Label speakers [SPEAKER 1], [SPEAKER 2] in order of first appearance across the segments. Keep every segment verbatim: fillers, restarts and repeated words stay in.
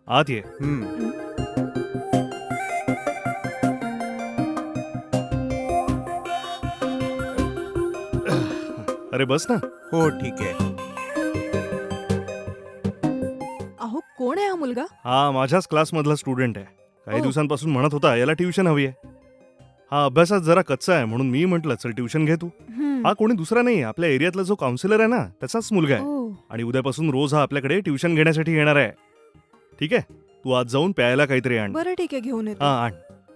[SPEAKER 1] आत ये.
[SPEAKER 2] हम्म.
[SPEAKER 1] अरे बस ना.
[SPEAKER 2] हो ठीक आहे.
[SPEAKER 3] अहो कोण आहे हा मुलगा?
[SPEAKER 1] हा माझ्याच क्लासमधला स्टुडंट आहे. काही
[SPEAKER 3] ओ.
[SPEAKER 1] दिवसांपासून म्हणत होता याला ट्युशन हवी आहे. हा अभ्यासात जरा कच्चा आहे म्हणून मी म्हटलं चल ट्युशन घे तू.
[SPEAKER 3] हम्म.
[SPEAKER 1] हा कोणी दुसरा नाही, आपल्या एरियातला जो काउन्सिलर आहे ना त्याचाच मुलगा आहे.
[SPEAKER 3] ओ.
[SPEAKER 1] आणि उद्यापासून रोज हा आपल्याकडे ट्युशन घेण्यासाठी येणार आहे. ठीक आहे, तू आज जाऊन प्यायला काहीतरी आण.
[SPEAKER 3] बरं ठीक आहे, घेऊन येतो.
[SPEAKER 1] हा आण.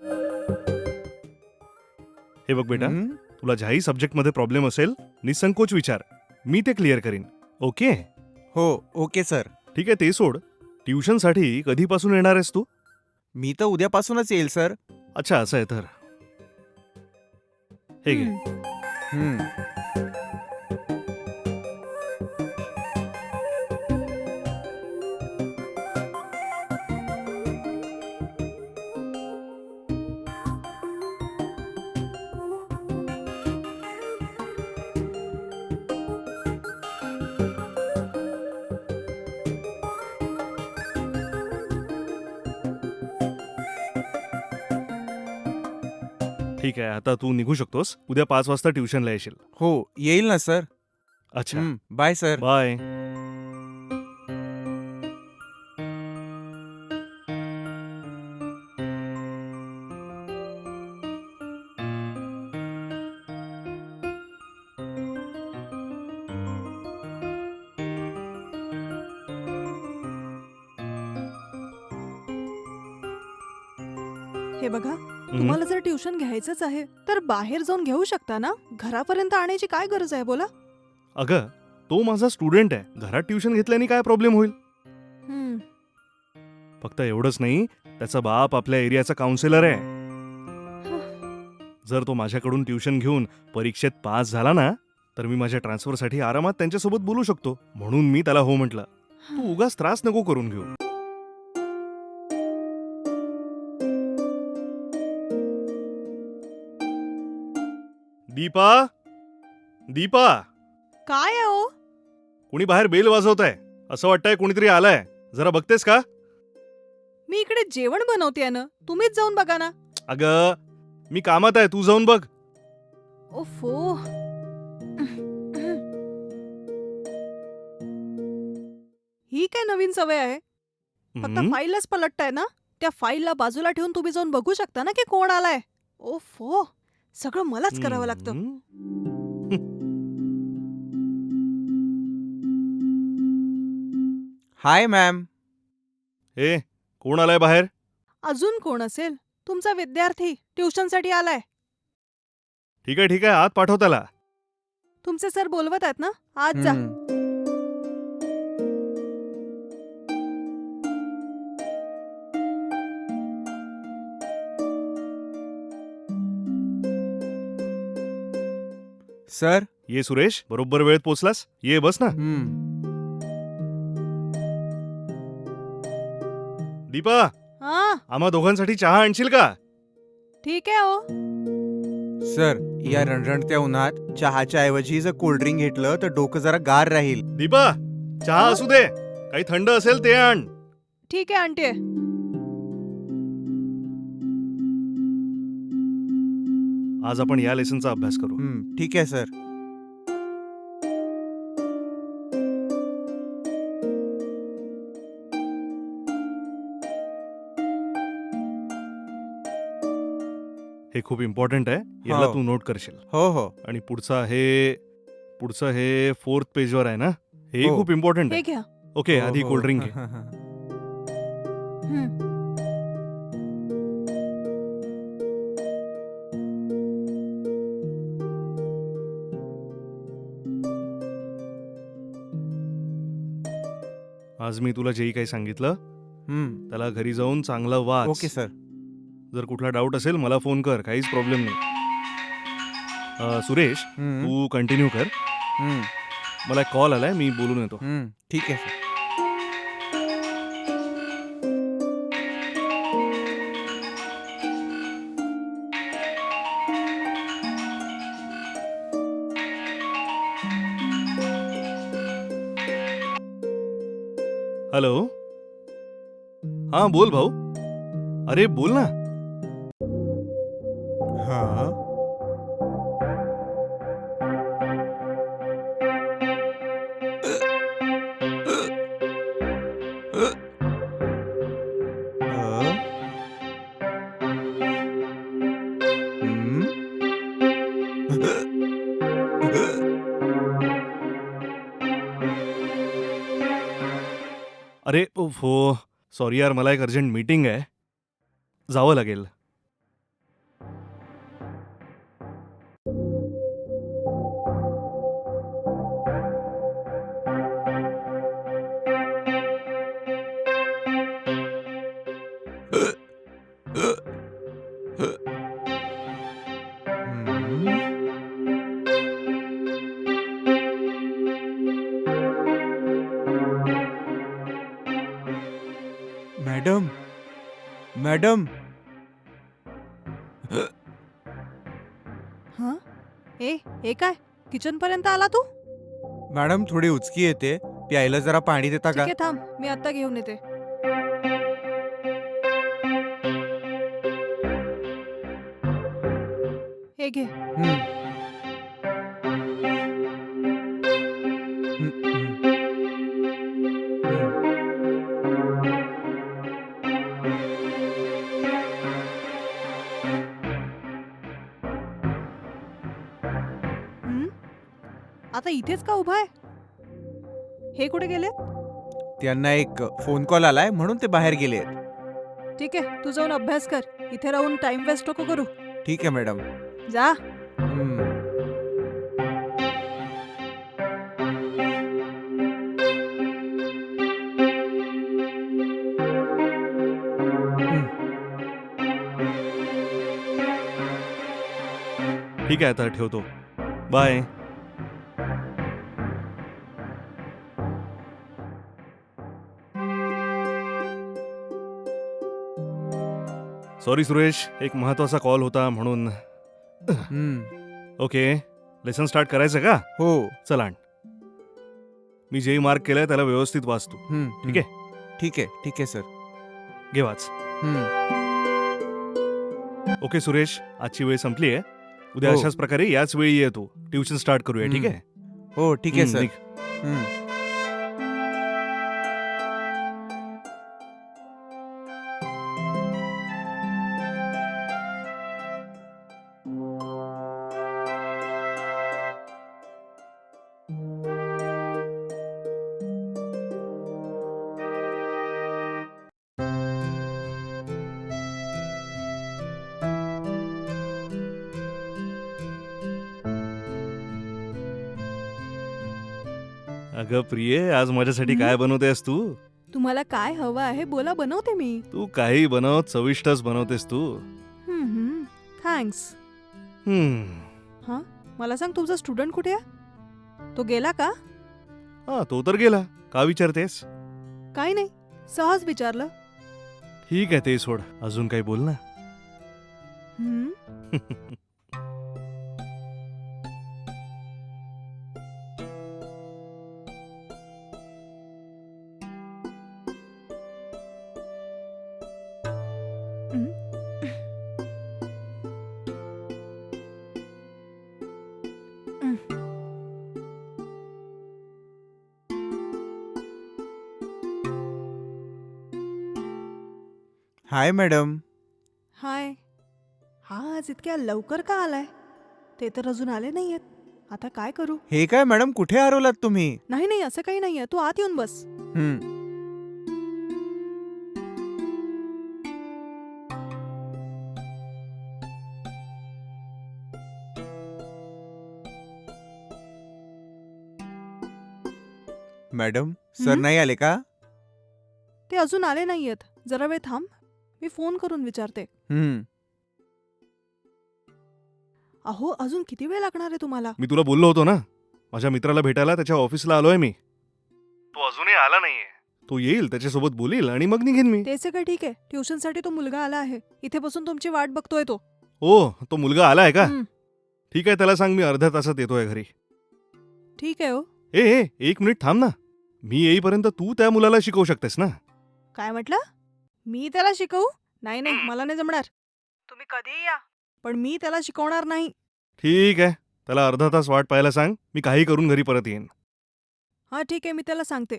[SPEAKER 1] हे बघ बेटा,
[SPEAKER 2] हम्म.
[SPEAKER 1] तुला ज्याही सब्जेक्टमध्ये प्रॉब्लेम असेल निसंकोच विचार, मी ते क्लिअर करीन. ओके?
[SPEAKER 2] हो ओके सर.
[SPEAKER 1] ठीक आहे, ते सोड. ट्युशनसाठी कधीपासून येणार आहेस तू?
[SPEAKER 2] मी तर उद्यापासूनच येईल सर.
[SPEAKER 1] अच्छा असं आहे तर. हे घे.
[SPEAKER 3] हम्म.
[SPEAKER 2] हम्म.
[SPEAKER 1] ठीक आहे, आता तू निघू शकतोस. उद्या पाच वाजता ट्युशनला येशील.
[SPEAKER 2] हो येईल ना सर.
[SPEAKER 1] अच्छा
[SPEAKER 2] हम्म. Bye sir.
[SPEAKER 1] बाय.
[SPEAKER 3] हे बघा,
[SPEAKER 1] हम्म.
[SPEAKER 3] तुम्हाला जर ट्युशन घ्यायचंच आहे तर बाहेर जाऊन घेऊ शकता ना. घरापर्यंत आणायची काय गरज आहे बोला.
[SPEAKER 1] अगं तो माझा स्टुडंट आहे, घरात ट्युशन घेतल्याने काय प्रॉब्लेम होईल?
[SPEAKER 3] हम्म.
[SPEAKER 1] फक्त एवढंच नाही, त्याचा बाप आपल्या एरियाचा काउन्सिलर आहे. जर तो माझ्याकडून ट्युशन घेऊन परीक्षेत पास झाला ना तर मी माझ्या ट्रान्सफरसाठी आरामात त्यांच्यासोबत बोलू शकतो. म्हणून मी त्याला हो म्हटलं. तू उगाच त्रास नको करून घेऊ. दीपा, दीपा,
[SPEAKER 3] काय आहे ओ?
[SPEAKER 1] कुणी बाहेर बेल वाजवत आहे. असं वाटतंय कोणीतरी आलाय. जरा बघतेस का?
[SPEAKER 3] मी इकडे जेवण बनवतेय ना, तुम्हीच जाऊन बघा ना.
[SPEAKER 1] अगं मी कामात आहे, तू जाऊन बघ.
[SPEAKER 3] ओफो. ही काय नवीन सवय आहे? फक्त
[SPEAKER 1] हम्म.
[SPEAKER 3] फाईलच पलटताय ना. त्या फाईलला बाजूला ठेवून तुम्ही जाऊन बघू शकता ना की कोण आलाय. ओफो, सगळं मलाच करावं लागतं.
[SPEAKER 1] हम्म.
[SPEAKER 2] हाय मॅम.
[SPEAKER 1] ए कोण आलाय बाहेर?
[SPEAKER 3] अजून कोण असेल? तुमचा विद्यार्थी ट्युशनसाठी आलाय.
[SPEAKER 1] ठीक आहे ठीक आहे, आत पाठव त्याला.
[SPEAKER 3] तुमचे सर बोलवत आहेत ना, आज जा.
[SPEAKER 2] हम्म. सर.
[SPEAKER 1] ये सुरेश, बरोबर वेळेत पोचलास. ये बस ना.
[SPEAKER 2] हम्म.
[SPEAKER 1] दीपा,
[SPEAKER 3] हा
[SPEAKER 1] आम्हा दोघांसाठी चहा आणशील का?
[SPEAKER 3] ठीक आहे ओ.
[SPEAKER 2] सर या रणरणत्या उन्हात चहाच्या ऐवजी जर कोल्ड्रिंक घेतलं तर डोकं जरा गार राहील.
[SPEAKER 1] दीपा, चहा असू दे, काही थंड असेल ते आण.
[SPEAKER 3] ठीक आहे आणते.
[SPEAKER 1] आज आपण या लेसनचा अभ्यास करू.
[SPEAKER 2] हम्म. ठीक आहे सर.
[SPEAKER 1] हे खूप इम्पॉर्टंट आहे, याला
[SPEAKER 2] हो.
[SPEAKER 1] तू नोट करशील.
[SPEAKER 2] हो हो.
[SPEAKER 1] आणि पुढचा हे पुढचं हे फोर्थ पेजवर आहे ना, हे
[SPEAKER 2] हो.
[SPEAKER 1] खूप इम्पॉर्टंट
[SPEAKER 3] हे
[SPEAKER 1] आहे.
[SPEAKER 3] घ्या.
[SPEAKER 1] ओके,
[SPEAKER 2] हो,
[SPEAKER 1] आधी
[SPEAKER 2] हो.
[SPEAKER 1] कोल्ड्रिंक घे.
[SPEAKER 3] हं.
[SPEAKER 1] आज मी तुला जेही काही सांगितलं
[SPEAKER 2] हम्म.
[SPEAKER 1] त्याला घरी जाऊन चांगलं वाच.
[SPEAKER 2] Okay sir.
[SPEAKER 1] जर कुठला डाऊट असेल मला फोन कर, काहीच प्रॉब्लेम नाही. अ, सुरेश,
[SPEAKER 2] हम्म.
[SPEAKER 1] तू कंटिन्यू कर.
[SPEAKER 2] हम्म.
[SPEAKER 1] मला एक कॉल आलाय, मी बोलून येतो.
[SPEAKER 2] हम्म. ठीक आहे सर.
[SPEAKER 1] हॅलो. हा बोल भाऊ. अरे बोल ना.
[SPEAKER 2] हा अ? हम्म?
[SPEAKER 1] अरे उफ, हो सॉरी यार, मला एक अर्जंट मीटिंग आहे, जावं लागेल.
[SPEAKER 2] हम्म? मॅडम मॅडम
[SPEAKER 3] हं? ए हे काय किचन पर्यंत आला तू?
[SPEAKER 2] मॅडम थोडी उचकी येते, प्यायला जरा पाणी देता
[SPEAKER 3] ठीक
[SPEAKER 2] का?
[SPEAKER 3] आहे थांब, मी आता घेऊन येते. हे घे.
[SPEAKER 2] हम्म. हम्म, हम्म. हम्म.
[SPEAKER 3] हं? आता इथेच का उभा आहे? हे कुठे गेले?
[SPEAKER 2] त्यांना एक फोन कॉल आलाय म्हणून ते बाहेर गेले आहेत.
[SPEAKER 3] ठीक आहे, तू जाऊन अभ्यास कर. इथे राहून टाइम वेस्ट नको करू.
[SPEAKER 2] ठीक आहे मॅडम.
[SPEAKER 3] जा.
[SPEAKER 2] हम्म. हम्म.
[SPEAKER 1] ठीक आहे, आता ठेवतो. बाय. सॉरी सुरेश, एक महत्वाचा कॉल होता म्हणून.
[SPEAKER 2] हम्म.
[SPEAKER 1] ओके, लेसन स्टार्ट करायचं का?
[SPEAKER 2] हो.
[SPEAKER 1] चला आण. मी जे मार्क केलंय त्याला व्यवस्थित वाचतो.
[SPEAKER 2] हम्म.
[SPEAKER 1] ठीक आहे?
[SPEAKER 2] ठीक आहे ठीक आहे सर.
[SPEAKER 1] घे वाच.
[SPEAKER 2] हम्म.
[SPEAKER 1] ओके सुरेश, आजची वेळ संपली आहे. उद्या
[SPEAKER 2] हो.
[SPEAKER 1] अशाच प्रकारे याच वेळी ये तू. ट्युशन स्टार्ट करूया. ठीक आहे?
[SPEAKER 2] हो ठीक आहे
[SPEAKER 1] हम्म,
[SPEAKER 2] सर.
[SPEAKER 1] निघ.
[SPEAKER 2] हम्म.
[SPEAKER 1] अगं प्रिये, आज माझ्यासाठी
[SPEAKER 3] हं?
[SPEAKER 1] काय बनवतेस तू?
[SPEAKER 3] तुम्हाला काय हवं आहे बोला, बनवते मी.
[SPEAKER 1] तू काही बनव, चविष्टच बनवतेस तू.
[SPEAKER 3] हं, हं. थँक्स.
[SPEAKER 1] हम्म.
[SPEAKER 3] मला सांग, तुझा स्टुडंट कुठे आहे? तो गेला का?
[SPEAKER 1] हा, तो तर गेला. का विचारतेस?
[SPEAKER 3] काही नाही, सहज विचारलं.
[SPEAKER 1] ठीक आहे, ते सोड. अजून काही बोल ना.
[SPEAKER 3] हं? हं? हं.
[SPEAKER 2] Hi madam.
[SPEAKER 3] हाय. हा आज इतक्या लवकर का आलाय? ते तर अजून आले नाहीयेत. आता काय करू?
[SPEAKER 2] हे काय मॅडम, कुठे हरवलात तुम्ही?
[SPEAKER 3] नाही नाही, असं काही नाहीये. तू आत येऊन बस.
[SPEAKER 2] हम्म. मॅडम सर
[SPEAKER 3] हं?
[SPEAKER 2] नाही आले का?
[SPEAKER 3] ते अजून आले नाहीयेत. जरा वेळ थांब, मी फोन करून विचारते.
[SPEAKER 2] हम्म.
[SPEAKER 3] अहो, अजून किती वेळ लागणार आहे तुम्हाला?
[SPEAKER 1] मी तुला बोललो होतो ना, माझ्या मित्राला भेटायला त्याच्या ऑफिसला आलोय मी. तो अजूनही आला नाहीये. तो येईल, त्याच्यासोबत बोलील आणि मग निघेन मी.
[SPEAKER 3] ते सगळं ठीक आहे. ट्युशनसाठी तो मुलगा आला आहे. इथे बसून तुमची वाट बघतोय तो.
[SPEAKER 1] ओ, तो मुलगा आलाय का?
[SPEAKER 3] हं.
[SPEAKER 1] ठीक आहे, त्याला सांग मी अर्ध्या तासात येतोय घरी.
[SPEAKER 3] ठीक आहे हो.
[SPEAKER 1] ए ए एक मिनिट थांब ना. मी येईपर्यंत तू त्या मुलाला शिकवू शकतेस ना.
[SPEAKER 3] काय म्हटलं? मी त्याला शिकवू? नाही नाही मला नाही जमणार. तुम्ही कधीही या पण मी त्याला शिकवणार नाही.
[SPEAKER 1] ठीक आहे, त्याला अर्धा तास वाट पाहायला सांग, मी काही करून घरी परत येईन.
[SPEAKER 3] हा ठीक आहे मी त्याला सांगते.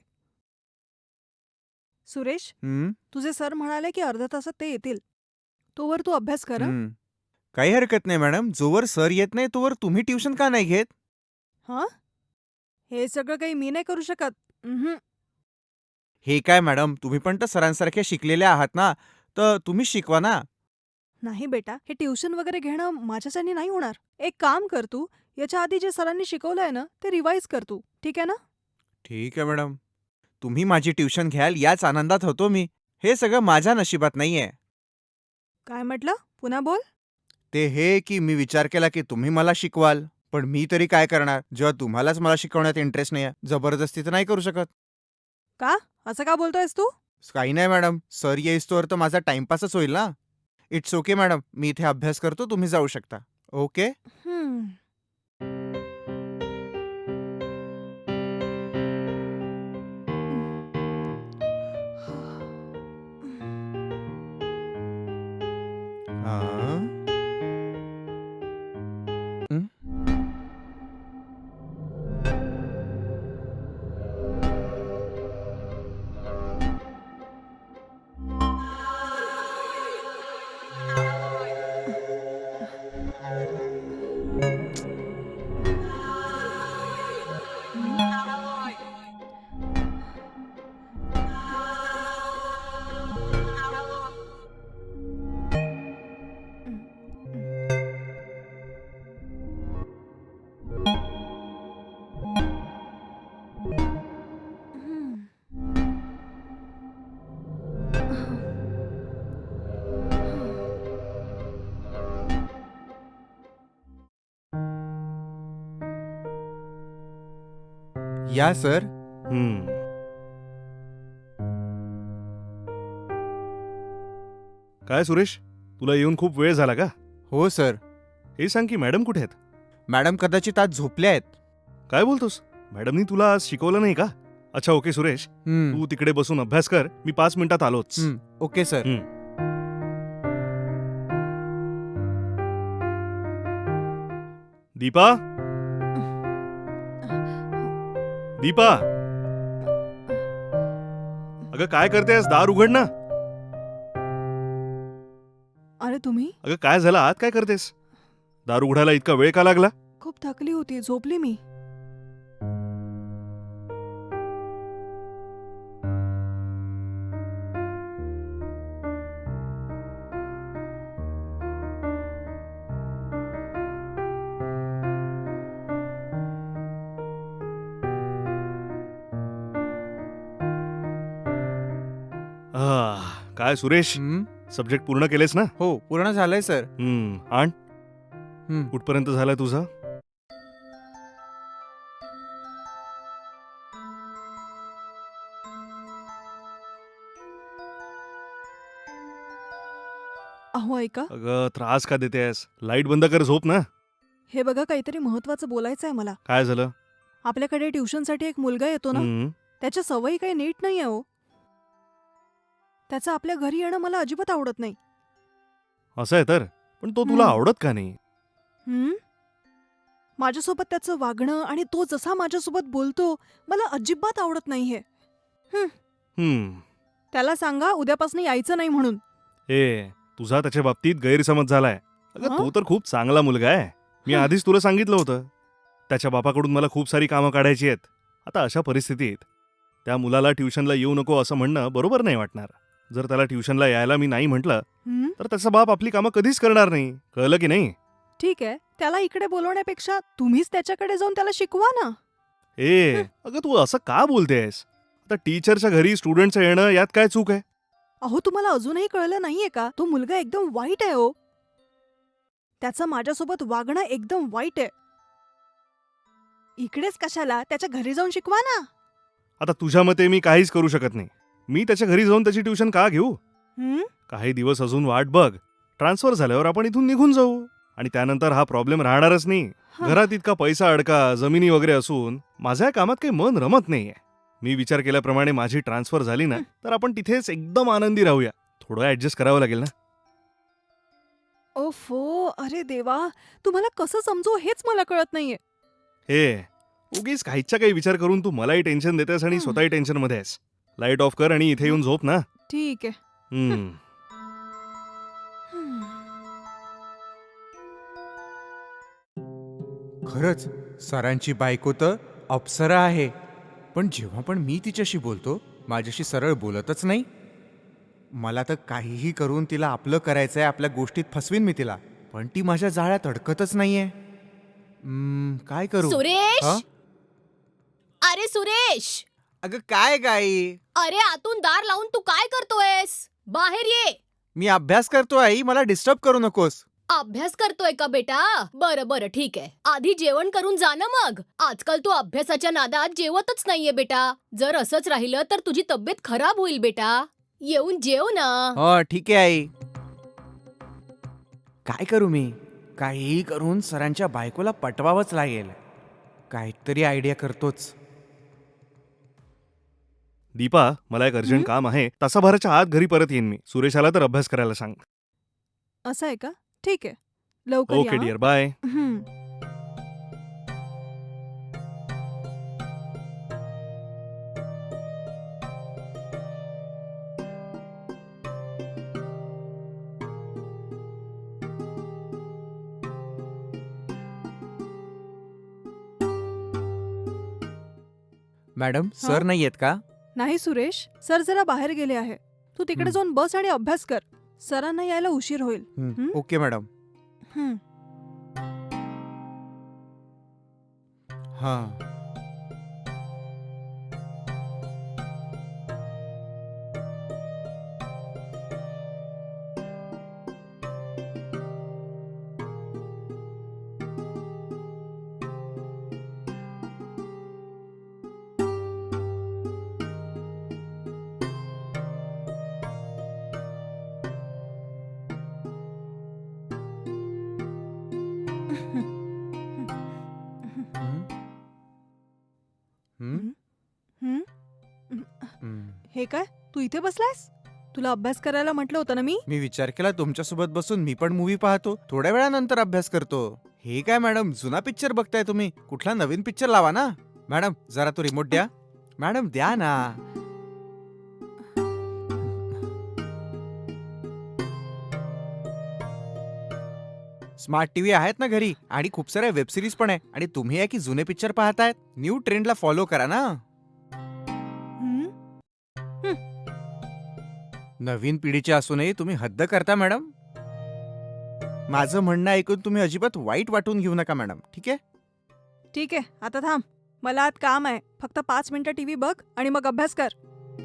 [SPEAKER 3] सुरेश,
[SPEAKER 2] हं,
[SPEAKER 3] तुझे सर म्हणाले की अर्ध्या तासात ते येतील. तोवर तू अभ्यास कर हं?
[SPEAKER 2] हं. काही हरकत नाही मॅडम. जोवर सर येत नाही तोवर तुम्ही ट्युशन का नाही घेत?
[SPEAKER 3] हं? हे सगळं काही मी नाही करू शकत. उम्हम.
[SPEAKER 2] हे काय मॅडम, तुम्ही पण तर सरांसारखे शिकलेले आहात ना, तर तुम्हीच शिकवा ना.
[SPEAKER 3] नाही बेटा, हे ट्युशन वगैरे घेणं माझ्याच्याने नाही होणार. एक काम कर तू, याच्या आधी जे सरांनी शिकवलंय ना ते रिवाईज कर तू. ठीक आहे ना?
[SPEAKER 2] ठीक आहे मॅडम. तुम्ही माझी ट्युशन घ्याल याच आनंदात होतो मी. हे सगळं माझ्या नशिबात नाहीये.
[SPEAKER 3] काय म्हटलं? पुन्हा बोल.
[SPEAKER 2] ते हे की मी विचार केला की तुम्ही मला शिकवाल, पण मी तरी काय करणार जेव्हा तुम्हालाच मला शिकवण्यात इंटरेस्ट नाहीये. जबरदस्ती तर नाही करू शकत.
[SPEAKER 3] का? असं का बोलतोयस तू?
[SPEAKER 2] काही नाही मॅडम, सर येईस्तोवर तर माझा टाइमपासच होईल ना. इट्स ओके मॅडम, मी इथे अभ्यास करतो, तुम्ही जाऊ शकता. ओके.
[SPEAKER 3] हम्म.
[SPEAKER 2] हां. हं? या सर.
[SPEAKER 1] हम्म. काय सुरेश, तुला येऊन खूप वेळ झाला का?
[SPEAKER 2] हो सर.
[SPEAKER 1] हे सांग की मॅडम कुठे आहेत?
[SPEAKER 2] मॅडम कदाचित आज झोपल्या आहेत.
[SPEAKER 1] काय बोलतोस? मॅडमनी तुला आज शिकवलं नाही का? अच्छा ओके सुरेश,
[SPEAKER 2] हं,
[SPEAKER 1] तू तिकडे बसून अभ्यास कर, मी पाच मिनिटात आलोच.
[SPEAKER 2] हं. Okay sir.
[SPEAKER 1] हं. दीपा, दीपा, अगं काय करतेस? दार उघड ना.
[SPEAKER 3] अरे तुम्ही?
[SPEAKER 1] अगं काय झालं, आत काय करतेस? दार उघडायला इतका वेळ का लागला?
[SPEAKER 3] खूप थकली होती, झोपली मी.
[SPEAKER 1] आह, काय सुरेश,
[SPEAKER 2] हं.
[SPEAKER 1] सब्जेक्ट पूर्ण केलेस ना?
[SPEAKER 2] हो, पूर्ण झालंय सर.
[SPEAKER 1] हम्म. आण,
[SPEAKER 2] हं.
[SPEAKER 1] कुठपर्यंत झालाय तुझा?
[SPEAKER 3] अहो ऐका,
[SPEAKER 1] अगं त्रास का देतेस? लाईट बंद कर, झोप ना.
[SPEAKER 3] हे बघा काहीतरी महत्वाचं बोलायचं आहे मला.
[SPEAKER 1] काय झालं?
[SPEAKER 3] आपल्याकडे ट्युशनसाठी एक मुलगा येतो ना,
[SPEAKER 1] हम्म.
[SPEAKER 3] त्याच्या सवयी काही नीट नाही आहे हो. त्याचं आपल्या घरी येणं मला अजिबात आवडत नाही.
[SPEAKER 1] असं आहे तर, पण तो तुला
[SPEAKER 3] हम्म.
[SPEAKER 1] आवडत का नाही?
[SPEAKER 3] हं? माझ्यासोबत त्याचं वागणं आणि तो जसा माझ्यासोबत बोलतो मला अजिबात आवडत नाहीये.
[SPEAKER 1] हम्म.
[SPEAKER 3] त्याला सांगा उद्यापासून यायचं नाही म्हणून.
[SPEAKER 1] ए, तुझा त्याच्या बाबतीत गैरसमज झालाय. अगं
[SPEAKER 3] हं?
[SPEAKER 1] तो तर खूप चांगला मुलगा आहे. मी
[SPEAKER 3] हं.
[SPEAKER 1] आधीच तुला सांगितलं होतं. त्याच्या बापाकडून मला खूप सारी कामं काढायची आहेत. आता अशा परिस्थितीत त्या मुलाला ट्युशनला येऊ नको असं म्हणणं बरोबर नाही वाटणार. जर त्याला ट्युशनला यायला मी नाही म्हटलं
[SPEAKER 3] हं?
[SPEAKER 1] तर त्याचा बाप आपली कामं कधीच करणार नाही. कळलं की नाही?
[SPEAKER 3] ठीक आहे, त्याला इकडे बोलवण्यापेक्षा तुम्हीच त्याच्याकडे जाऊन त्याला शिकवा ना.
[SPEAKER 1] ए, अगं तू असं का बोलतेस? आता टीचरच्या घरी स्टुडंटचं येणं यात काय चूक आहे?
[SPEAKER 3] अहो तुम्हाला अजूनही कळलं नाहीये का? तो मुलगा एकदम वाईट आहे हो. त्याचं माझ्यासोबत वागणं एकदम वाईट आहे. इकडेच कशाला त्याच्या घरी जाऊन शिकवा ना.
[SPEAKER 1] आता तुझ्या मते मी काहीच करू शकत नाही. मी त्याच्या घरी जाऊन त्याची ट्युशन का घेऊ?
[SPEAKER 3] हं?
[SPEAKER 1] काही दिवस अजून वाट बघ. ट्रान्सफर झाल्यावर आपण इथून निघून जाऊ आणि त्यानंतर हा प्रॉब्लेम राहणारच नाही.
[SPEAKER 3] हं.
[SPEAKER 1] घरात इतका पैसा अडका, जमिनी वगैरे असून माझ्या कामात काही मन रमत नाहीये. मी विचार केल्याप्रमाणे माझी ट्रान्सफर झाली ना तर आपण तिथेच एकदम आनंदी राहूया. थोडं ऍडजस्ट करावं लागेल ना.
[SPEAKER 3] ओफो, अरे देवा, तुम्हाला कसं समजू हेच मला कळत नाहीये.
[SPEAKER 1] हे उगीच काहीच्या काही विचार करून तू मलाही टेन्शन देतेस आणि
[SPEAKER 3] हं.
[SPEAKER 1] स्वतःही टेन्शन मध्ये आहेस. लाईट ऑफ कर आणि इथे येऊन झोप ना.
[SPEAKER 3] ठीक आहे.
[SPEAKER 1] हम्म.
[SPEAKER 3] हं.
[SPEAKER 2] खरंच सरांची बायको तर अप्सरा आहे, पण जेव्हा पण मी तिच्याशी बोलतो माझ्याशी सरळ बोलतच नाही. मला तर काहीही करून तिला आपलं करायचंय, आपल्या गोष्टीत फसवीन मी तिला, पण ती माझ्या जाळ्यात अडकतच नाहीये. हम्म, काय करू?
[SPEAKER 4] सुरेश
[SPEAKER 2] हा?
[SPEAKER 4] अरे सुरेश
[SPEAKER 2] अगं काय गाई,
[SPEAKER 4] अरे आतून दार लावून तू काय करतोयस? बाहेर ये.
[SPEAKER 2] मी अभ्यास करतो आई, मला डिस्टर्ब करू नकोस.
[SPEAKER 4] अभ्यास करतोय का बेटा? बरं बरं ठीक आहे. आधी जेवण करून जा ना मग. आजकाल तू अभ्यासाच्या नादात जेवतच नाहीये बेटा. जर असंच राहिलं तर तुझी तब्येत खराब होईल बेटा. येऊन जेव ना.
[SPEAKER 2] हो ठीक आहे आई. काय करू मी? काहीही करून सरांच्या बायकोला पटवावंच लागेल. काहीतरी आयडिया करतोच.
[SPEAKER 1] दीपा, मला एक अर्जंट
[SPEAKER 3] हं?
[SPEAKER 1] काम आहे. तासाभराच्या आत घरी परत येईन मी. सुरेश आला तर अभ्यास करायला सांग.
[SPEAKER 3] असं आहे का? ठीक आहे. लवकर
[SPEAKER 1] ओके
[SPEAKER 3] या.
[SPEAKER 1] Dear, bye.
[SPEAKER 3] हं.
[SPEAKER 2] मॅडम
[SPEAKER 3] हा?
[SPEAKER 2] सर नाही आहेत का?
[SPEAKER 3] नाही सुरेश, सर जरा बाहेर गेले आहे. तू तिकडे
[SPEAKER 2] हं.
[SPEAKER 3] जाऊन बस आणि अभ्यास कर. सरांना यायला उशीर होईल.
[SPEAKER 2] हं,
[SPEAKER 3] हं?
[SPEAKER 2] Okay madam.
[SPEAKER 3] हं.
[SPEAKER 2] हा. हं? हं?
[SPEAKER 3] हं?
[SPEAKER 2] हं.
[SPEAKER 3] हे काय? तू इथे बसलायस? तुला अभ्यास करायला म्हटलं होतं ना मी?
[SPEAKER 2] मी विचार केला तुमच्यासोबत बसून मी पण मूवी पाहतो, थोड्या वेळानंतर अभ्यास करतो. हे काय मॅडम, जुना पिक्चर बघताय तुम्ही? कुठला नवीन पिक्चर लावा ना. मॅडम जरा तो रिमोट द्या. मॅडम द्या ना. स्मार्ट टीव्ही आहेत ना घरी, आणि खूप साऱ्या वेब सिरीज पण आहे, आणि तुम्ही आहे की जुने पिक्चर पाहतायत. न्यू ट्रेंडला फॉलो करा ना.
[SPEAKER 3] हं?
[SPEAKER 2] नवीन पिढीचे असूनही तुम्ही हद्द करता मॅडम. माझं म्हणणं ऐकून तुम्ही अजिबात वाईट वाटून घेऊ नका मॅडम, ठीक आहे?
[SPEAKER 3] ठीक आहे, आता थांब. मला आत काम आहे. फक्त पाच मिनिटं टीव्ही बघ आणि मग अभ्यास कर.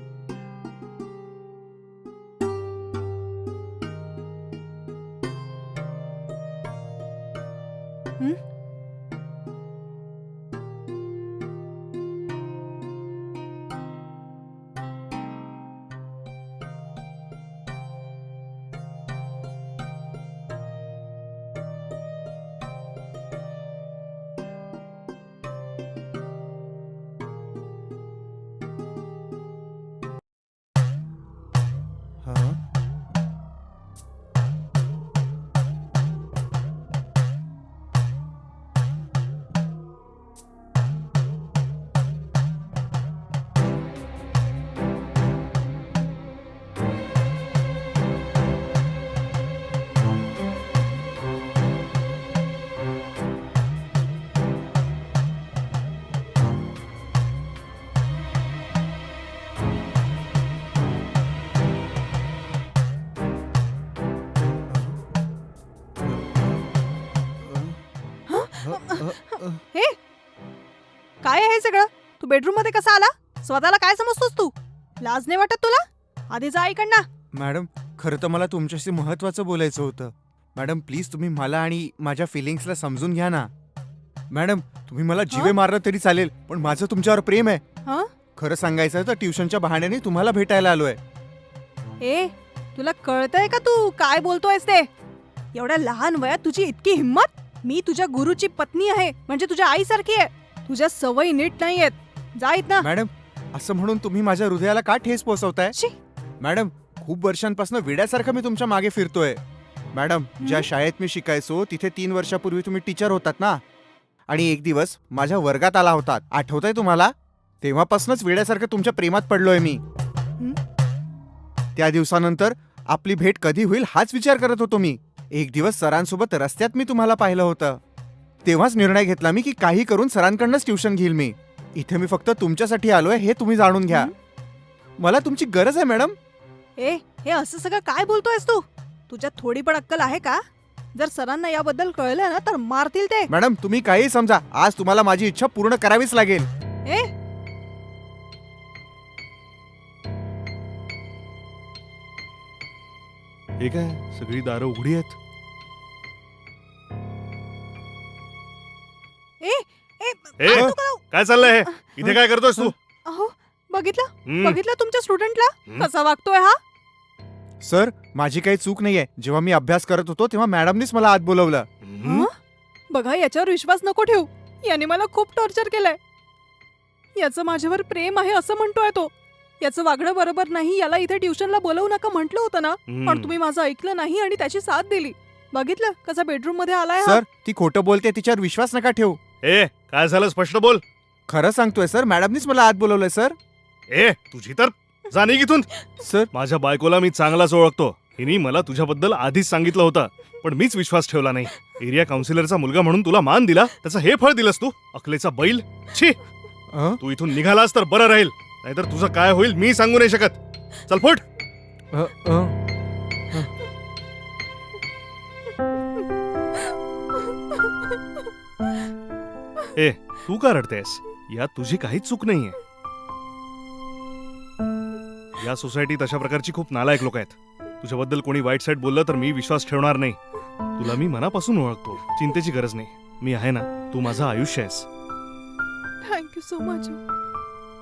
[SPEAKER 3] हं?
[SPEAKER 2] हा.
[SPEAKER 3] हे काय आहे हे सगळं? तू बेडरूम मध्ये कसा आला? स्वतःला काय समजतोस तू? लाज नाही वाटत तुला? आधी जा इकडनं.
[SPEAKER 2] मॅडम खरं तर मला तुमच्याशी महत्वाचं बोलायचं होतं. मॅडम प्लीज तुम्ही मला आणि माझ्या फिलिंग्सला समजून घ्या ना. मॅडम तुम्ही मला जीवे
[SPEAKER 3] हं?
[SPEAKER 2] मारलं तरी चालेल, पण माझं तुमच्यावर प्रेम आहे.
[SPEAKER 3] हं?
[SPEAKER 2] खरं सांगायचं तर ट्युशनच्या बहाण्याने तुम्हाला भेटायला आलोय.
[SPEAKER 3] ए, तुला कळतंय का तू काय बोलतोयस ते? एवढ्या लहान वयात तुझी इतकी हिंमत? मी तुझ्या गुरुची पत्नी आहे, म्हणजे तुझ्या आईसारखी आहे. तुझ्या सवयी नीट नाहीयेत. जा इथनं.
[SPEAKER 2] मॅडम असं म्हणून तुम्ही माझ्या हृदयाला का ठेस पोहोचवताय?
[SPEAKER 3] शी.
[SPEAKER 2] मॅडम खूप वर्षांपासून वेड्यासारखं मी तुमच्या मागे फिरतोय. मॅडम, ज्या शाळेत मी शिकायचो तिथे तीन वर्षापूर्वी तुम्ही टीचर होतात ना, आणि एक दिवस माझ्या वर्गात आला होतात, आठवतंय तुम्हाला? तेव्हापासूनच वेड्यासारखं तुमच्या प्रेमात पडलोय मी. त्या दिवसानंतर आपली भेट कधी होईल हाच विचार करत होतो मी. एक दिवस सरांसोबत रस्त्यात मी तुम्हाला पाहिलं होतं. तेव्हाच निर्णय घेतला मी की काही करून सरांकडनंच ट्युशन घेईल मी. इथे मी फक्त तुमच्यासाठी आलोय हे तुम्ही जाणून घ्या. मला तुमची गरज आहे मॅडम.
[SPEAKER 3] ए हे असं सगळं काय बोलतोयस तू? तुझ्यात थोडी पण अक्कल आहे का? जर सरांना याबद्दल कळलं ना तर मारतील ते.
[SPEAKER 2] मॅडम तुम्ही काही समजा, आज तुम्हाला माझी इच्छा पूर्ण करावीच लागेल.
[SPEAKER 3] ए
[SPEAKER 1] हे काय, सगळी दारं उघडी आहेत.
[SPEAKER 3] ए ए
[SPEAKER 1] ए,
[SPEAKER 3] काय तू करा-
[SPEAKER 1] काय चाललंय हे? इथे काय करतोयस तू?
[SPEAKER 3] अहो बघितलं
[SPEAKER 1] हम्म,
[SPEAKER 3] बघितलं तुमच्या स्टुडंटला
[SPEAKER 1] हम्म.
[SPEAKER 3] कसा वागतोय हा?
[SPEAKER 2] सर, माझी काही चूक नाहीये. जेव्हा मी अभ्यास करत होतो तेव्हा मॅडमनीच मला आत बोलवलं.
[SPEAKER 1] हम्म.
[SPEAKER 3] हं? बघा याच्यावर विश्वास नको ठेवू. याने मला खूप टॉर्चर केलंय. याचं माझ्यावर प्रेम आहे असं म्हणतोय तो. याचं वागणं बरोबर नाही, याला इथे ट्युशनला बोलवू नका म्हटलं होतं ना, पण
[SPEAKER 1] हम्म.
[SPEAKER 3] तुम्ही माझं ऐकलं नाही आणि त्याची साथ दिली. बघितलं कसा बेडरूम मध्ये आलाय हा?
[SPEAKER 2] सर, ती खोटं बोलते, तिच्यावर विश्वास नका ठेवू.
[SPEAKER 1] ए, काय झालं, स्पष्ट बोल.
[SPEAKER 2] खरं सांगतोय सर, मॅडमनीच मला आत बोलवलंय सर.
[SPEAKER 1] ए, तुझी तर जाणे इथून.
[SPEAKER 2] सर,
[SPEAKER 1] माझ्या बायकोला मी चांगलाच ओळखतो. हिने मला तुझ्याबद्दल आधीच सांगितलं होतं, पण मीच विश्वास ठेवला नाही. एरिया काउन्सिलरचा मुलगा म्हणून तुला मान दिला, त्याचं हे फळ दिलंस तू, अकलेचा बैल. छी,
[SPEAKER 2] अं?
[SPEAKER 1] तू इथून निघालास तर बरं राहील, नाहीतर तुझं काय होईल मी सांगू नाही शकत. चल फुट.
[SPEAKER 2] अं, अं.
[SPEAKER 1] ए, तू का रडतेस? यात तुझी काहीच चूक नाहीये. या सोसायटीत अशा प्रकारची खूप नालायक लोक आहेत. तुझ्याबद्दल कोणी वाईट साईट बोललं तर मी विश्वास ठेवणार नाही. तुला मी मनापासून ओळखतो, चिंतेची गरज नाही. मी आहे ना, तू माझं आयुष्य आहेस.
[SPEAKER 3] Thank you so much.